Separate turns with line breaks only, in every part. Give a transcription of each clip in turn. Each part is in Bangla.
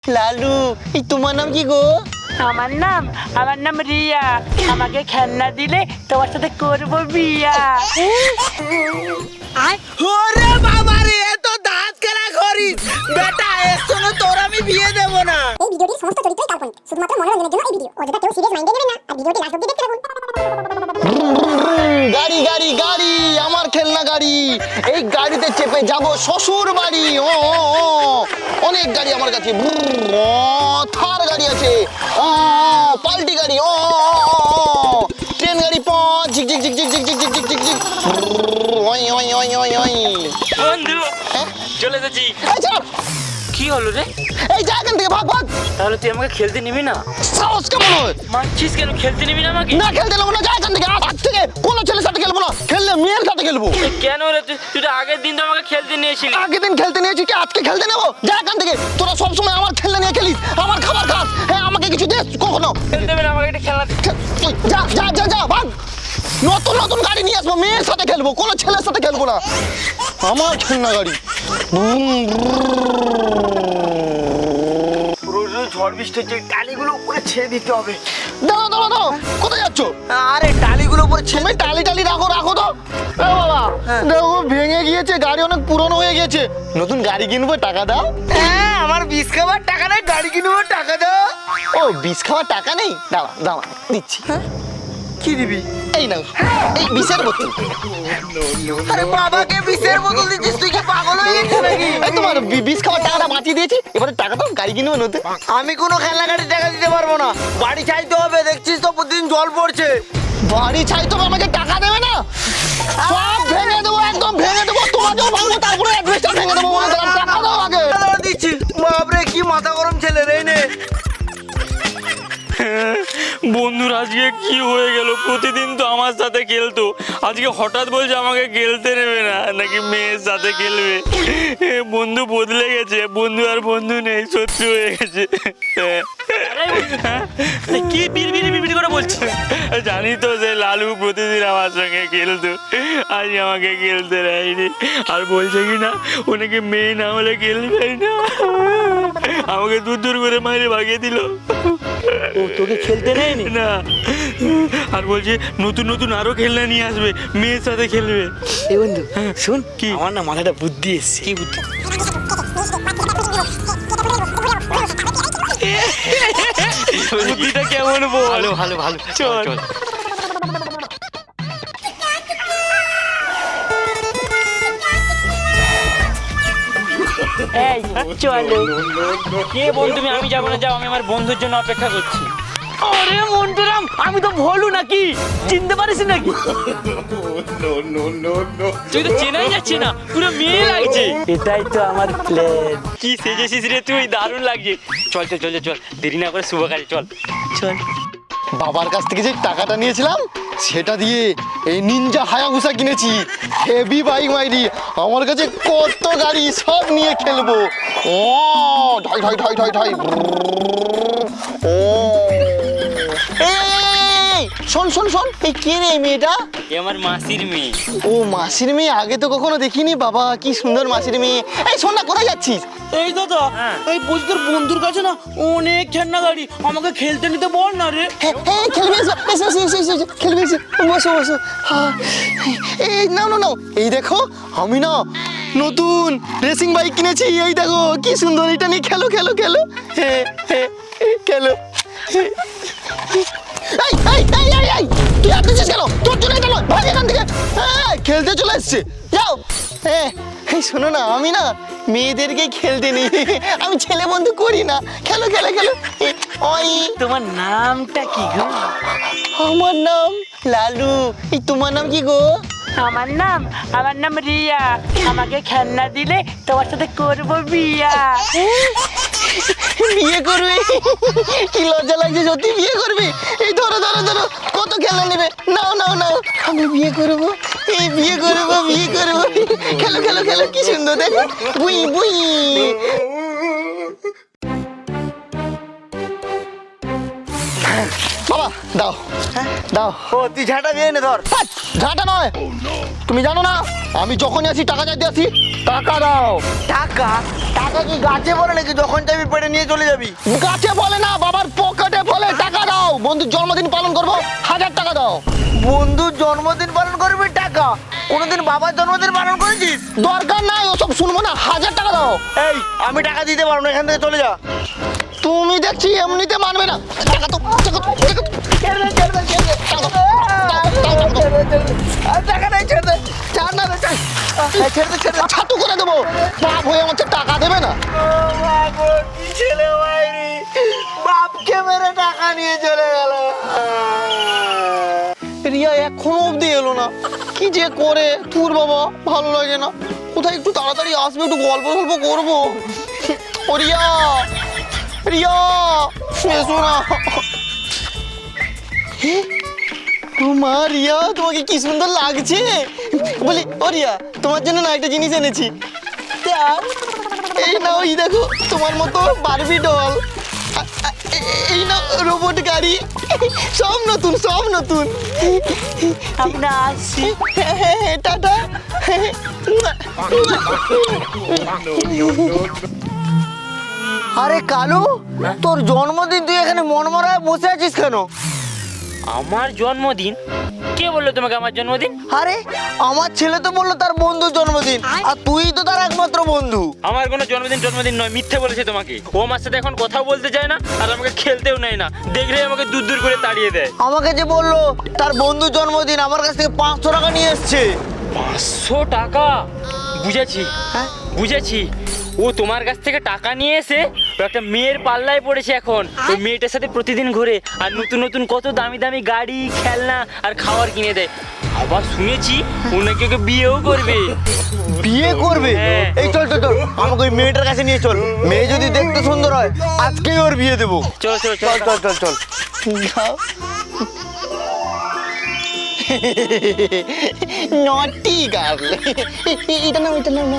লালু, এই তোমার নাম কি গো?
আমার নাম রিয়া। আমাকে খেলনা দিলে তোমার সাথে করবো বিয়া।
ওরে বাবা রে, এত দাঁত খেলা করিস বেটা, এর সঙ্গে তোর আমি বিয়ে দেব না।
এই ভিডিওটির সমস্ত চরিত্রই কাল্পনিক, শুধুমাত্র মনোরঞ্জনের জন্য এই ভিডিও। অযথা কেউ সিরিয়াস মাইন্ডে নেবেন না আর ভিডিওটি লাস্ট অবধি দেখতে থাকুন।
গাড়ি গাড়ি গাড়ি, আমার খেলনা গাড়ি। এই গাড়িতে চেপে যাব শ্বশুর বাড়ি। ও অনেক গাড়ি আমার কাছে। থার গাড়ি আছে, পাল্টি গাড়ি, ট্রেন গাড়ি, ঝিক ঝিক ঝিক ঝিক ঝিক ঝিক ঝিক ঝিক ঝিক। ওই ওই ওই ওই ওই।
বন্ধু
হ্যাঁ?
চলে এসেছি।
এই চল।
কি হলো রে?
এই যা এখান থেকে, ভাগ ভাগ।
তাহলে তুই আমাকে খেলতে নিবি না?
সাহস কেমন হয়?
মানছিস কেন? খেলতে নিবি না আমাকে?
না খেলতে নেবো না, যা এখান থেকে। আজ থেকে কোনো ছেলের সাথে খেলবো না, খেললে মেয়ের সাথে খেলবো।
কেন রে? তুই তো আগের দিন তো আমাকে খেলতে নিয়েছিলি।
আগের দিন খেলতে নিয়েছি, কি আজকে খেলতে নেবো? যা এখান থেকে। তোরা সবসময় আমার খেলনা নিয়ে খেলিস, আমার খাবার খাস। হ্যাঁ, আমাকে কিছু দে কখনো।
খেলতে দেবে না আমাকে? একটা খেলনা দে।
তুই যা যা যা যা, ভাগ। নতুন নতুন গাড়ি নিয়ে আসবো, মেয়ের সাথে খেলবো, কোনো ছেলের সাথে খেলবো না। আমার খেলনা গাড়ি।
ঝড় বৃষ্টি হচ্ছে, টালিগুলো উপরে ছেড়ে দিতে হবে।
দাঁড়াও দাঁড়াও দাঁড়াও, কোথায় যাচ্ছ?
আরে টালিগুলো উপরে ছেড়ে
তুমি টালি টালি রাখো রাখো তো। এ বাবা, দেখো ভেঙে গিয়েছে, গাড়ি অনেক পুরনো হয়ে গেছে। নতুন গাড়ি কিনবো, টাকা দাও।
হ্যাঁ, আমার বিষ খাবার টাকা নেই, গাড়ি কিনবো, টাকা দাও।
ও, বিষ খাওয়ার টাকা নেই? দাঁড়া দাঁড়া, দিচ্ছি।
কি দিবি?
এই নাও, এই বিষের বোতল।
আরে বাবাকে বিষের বোতল দিচ্ছিস, তুই কি পাগল হয়ে গেছিস নাকি?
এই তোমার বিষ খাওয়ার টাকাটা বাঁচিয়ে দিয়েছি, এবারে টাকা দাও, গাড়ি কিনবো নতুন।
আমি কোনো খেলনা গাড়ি টাকা দিতে পারবো না, বাড়ি চাইতে হবে। দেখছিস তো প্রতিদিন জল পড়ছে।
বাড়ি চাই তো আমাকে টাকা দেবে না? সব ভেঙে দেবো, একদম ভেঙে দেবো, তোমাকেও ভাঙবো, তারপরে অ্যাডভেস্টার ভেঙে দেবো। বলে দিলাম, টাকা দাও আগে।
দিচ্ছি। বাপরে কি মাথা গরম ছেলে রে। নে
বন্ধুর আজকে কি হয়ে গেল? প্রতিদিন তো আমার সাথে খেলতো, আজকে হঠাৎ বলছে আমাকে খেলতে নেবে না, নাকি মেয়ের সাথে খেলবে। বন্ধু বদলে গেছে, বন্ধু আর বন্ধু নেই, শত্রু হয়ে গেছে। কি বিড়বিড়ি বিড়বিড়ি করে বলছিস? জানি তো যে লালু প্রতিদিন আমার সঙ্গে খেলতো, আজ আমাকে খেলতে নেয়নি। আর বলছে কি না, ওনাকে মেয়ে না হলে খেলবেই না। আমাকে দূর দূর করে মাইরে ভাগিয়ে দিল।
ও তোকে খেলতে নেয়নি?
না, আর বলছে নতুন নতুন আরো খেলনা নিয়ে আসবে, মেয়ের সাথে খেলবে।
এই বন্ধু শুন,
কি?
আমার না মাথাটা বুদ্ধি এসছে।
কি বুদ্ধি? বুদ্ধিটা কেমন বল?
ভালো ভালো ভালো,
চল। এই চলো। কে বন্ধু? আমি যাবো না, যাও, আমি আমার বন্ধুর জন্য অপেক্ষা করছি। আরে মন্টুরাম, আমি তো ভোলু নাকি, চিনতে পারিস নাকি? তুই তো চেনাই যাচ্ছে না, পুরো মেয়ে লাগছে। এটাই তো আমার প্ল্যান। কি সেজেছিস রে তুই, দারুণ লাগছে। চল চল চল চল, দেরি না করে শুভ কাজে চল চল।
বাবার কাছ থেকে যে টাকাটা নিয়েছিলাম, সেটা দিয়ে এই নিনজা হায়াবুসা কিনেছি। হেভি বাইক মাইরি, আমার কাছে কত গাড়ি, সব নিয়ে খেলবো। ও ঢাই ঢাই ঢাই ঢাই ঢাই। ও এই, শোন শোন শোন, এই কে রে এই মেয়েটা?
এ আমার মাসির মেয়ে।
ও মাসির মেয়ে, আগে তো কখনো দেখিনি। বাবা কি সুন্দর মাসির মেয়ে। এই শোন না, কোথায় যাচ্ছিস?
এই দাদা, এই বলছি তোর বন্ধুর কাছে না অনেক খেলনা গাড়ি, আমাকে খেলতে নিতে বল না রে।
হ্যাঁ হ্যাঁ, খেলবে এসো এসো এসো এসো এসো, খেলবে এসো, বসো বসো। হ্যাঁ, এই নাও নাও নাও, এই দেখো আমি না নতুন রেসিং বাইক কিনেছি। এই দেখো কি সুন্দর, এটা নিয়ে খেলো খেলো খেলো। হ্যাঁ হ্যাঁ, খেলো। এই এই এই এই এই, তুই আসছিস কেন? তোর জন্য এটা নয়, ভাগ এখান থেকে। হ্যাঁ, খেলতে চলে এসছে, যাও। হ্যাঁ, এই শোনো না, আমি না মেয়েদেরকেই খেলতে নিই, আমি ছেলে বন্ধু করি না। খেলো খেলো খেলো। ওই
তোমার নামটা কি গো?
আমার নাম লালু, এই তোমার নাম কি গো?
আমার নাম রিয়া। আমাকে খেলনা দিলে তোমার সাথে করবো বিয়া।
বিয়ে করবে? কি লজ্জা লাগছে, সত্যি বিয়ে করবে? এই ধরো ধরো ধরো, কত খেলা নেবে? নাও নাও নাও, আমি বিয়ে করবো, এই বিয়ে করবো, বিয়ে করবো। খেলো খেলো খেলো, কি সুন্দর দেখো, বুই বুই। বাবা দাও দাও।
ও তুই ঝাঁটা দিয়ে নে ধর।
হাট, ঝাঁটা নয়। তুমি জানো না আমি যখনই আসি টাকা চাইতে আসি? টাকা দাও।
টাকা টাকা কি গাছে পড়ে নাকি যখন চাইবি পেটে নিয়ে চলে যাবি?
গাছে বলে না, বাবার পকেটে বলে। টাকা দাও, বন্ধুর জন্মদিন পালন করবো, 1000 টাকা দাও।
বন্ধুর জন্মদিন পালন করবি টাকা? কোনোদিন বাবার জন্মদিন পালন করেছিস?
দরকার নাই ওসব শুনবো না, 1000 টাকা দাও।
এই আমি টাকা দিতে পারবো না, এখান থেকে চলে যা।
তুমি দেখছি এমনিতে মানবে না। টাকা তো টাকা তো, টাকা তো। টাকা দাও, টাকা দাও, দাও, দাও, দাও।
আর টাকা নাই, ছেড়ে দে। ছাড় না রে, ছাড়। এই ছেড়ে দে, ছেড়ে দে।
ছাতু করে দেবো। বাপ হয়ে আমার চেয়ে টাকা দেবে না।
ও বাবু, কি ছেলে মাইরি, বাপকে মেরে টাকা নিয়ে চলে গেল।
রিয়া এখনো অব্দি এলো না, কি যে করে। তোর বাবা ভালো লাগে না, কোথায় একটু তাড়াতাড়ি আসবে, একটু গল্প গল্প করবো। ও রিয়া, রিয়া এসো না। ও মা রিয়া, তোমাকে কি সুন্দর লাগছে। বলি ও রিয়া, তোমার জন্য না একটা জিনিস এনেছি। এই নাও, এই দেখো তোমার মতো বারবি ডল। এই নাও রোবট গাড়ি, সব নতুন, সব নতুন।
আমরা আসছি।
টাটা।
আরে কালু, তোর জন্মদিন, তুই এখানে মনমরা বসে আছিস কেন?
আমার জন্মদিন? কে বললো তোমাকে আমার জন্মদিন?
আরে আমার ছেলে তো বললো তার বন্ধুর জন্মদিন, আর তুই তো তার একমাত্র বন্ধু।
আমার কোনো জন্মদিন নয়, মিথ্যে বলেছে তোমাকে। ও আমার সাথে এখন কথাও বলতে চায় না, আর আমাকে খেলতেও নেয় না, দেখলেই আমাকে দূর দূর করে তাড়িয়ে দেয়।
আমাকে যে বললো তার বন্ধুর জন্মদিন, আমার কাছ থেকে 500 টাকা নিয়ে এসছে।
500 টাকা? বুঝেছি,
হ্যাঁ?
বুঝেছি। ও তোমার কাছ থেকে টাকা নিয়ে এসে ও একটা মেয়ের পাল্লায় পড়েছে এখন। ওই মেয়েটার সাথে প্রতিদিন ঘুরে আর নতুন নতুন কত দামি দামি গাড়ি, খেলনা আর খাবার কিনে দেয়। আবার শুনেছি ও নাকি ওকে বিয়েও করবে।
বিয়ে করবে?
হ্যাঁ।
এই চল চল চল, আমাকে ওই মেয়েটার কাছে নিয়ে চল। মেয়ে যদি দেখতে সুন্দর হয়, আজকেই ওর বিয়ে দেবো।
চলো চলো
চল চল চল চল।
নটি গার্ল। এটা না, ওইটা না।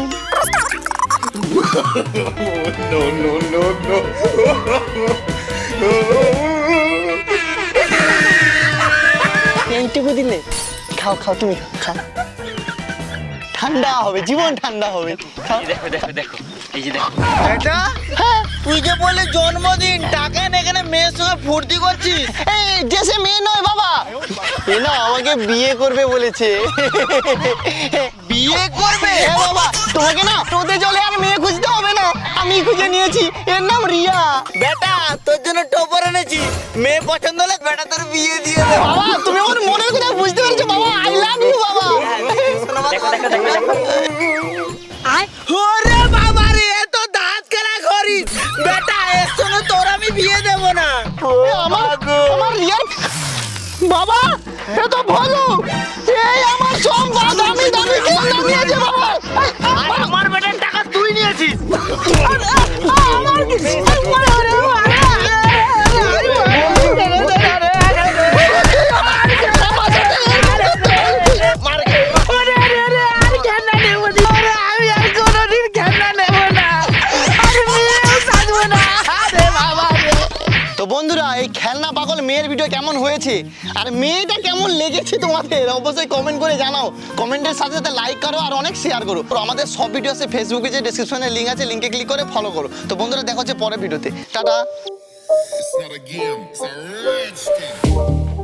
এইটুকু দিলে খাও, খাও তুমি খাও। ঠান্ডা হবে, জীবন ঠান্ডা হবে। খাও।
এই দেখো দেখো দেখো, এই যে দেখো।
এটা তুই যে বলে জন্মদিন, টাকা এনে এখানে মেয়ের সঙ্গে ফুর্তি করছিস?
এই দেশে মেয়ে নয় বাবা, এ না আমাকে বিয়ে করবে বলেছে।
বিয়ে করবে?
হ্যাঁ বাবা, তোমাকে না টোতে চলে আর মেয়ে খুঁজতে হবে না, আমি খুঁজে নিয়েছি। এর নাম রিয়া।
বেটা, তোর জন্য টপার এনেছি। মেয়ে পছন্দ হলে বেটা তোর বিয়ে দিয়ে দেবো।
বাবা তুমি আমার মনের কথা বুঝতে পেরেছো বাবা, আই লাভ ইউ বাবা।
দেখো দেখো দেখো দেখো।
ওরে বাবা রে, এত দাঁত খেলা করিস বেটা, এর সঙ্গে তোর আমি বিয়ে দেবো না।
আমার রিয়ার বাবা, এ তো ভালো। এই আমার সম্পদ, দামি দামি খেলনা নিয়েছে বাবা।
আর আমার বেটার টাকা তুই নিয়েছিস।
আমার কি তো বন্ধুরা, এই খেলনা পাগল মেয়ের ভিডিও কেমন হয়েছে আর মেয়েটা কেমন লেগেছে তোমাদের অবশ্যই কমেন্ট করে জানাও। কমেন্টের সাথে সাথে লাইক করো আর অনেক শেয়ার করো। আর আমাদের সব ভিডিও আছে ফেসবুকে, যে ডেসক্রিপশনে লিঙ্ক আছে, লিঙ্কে ক্লিক করে ফলো করো। তো বন্ধুরা দেখা হচ্ছে পরের ভিডিওতে। Tata.
It's not a game, it's a rich thing.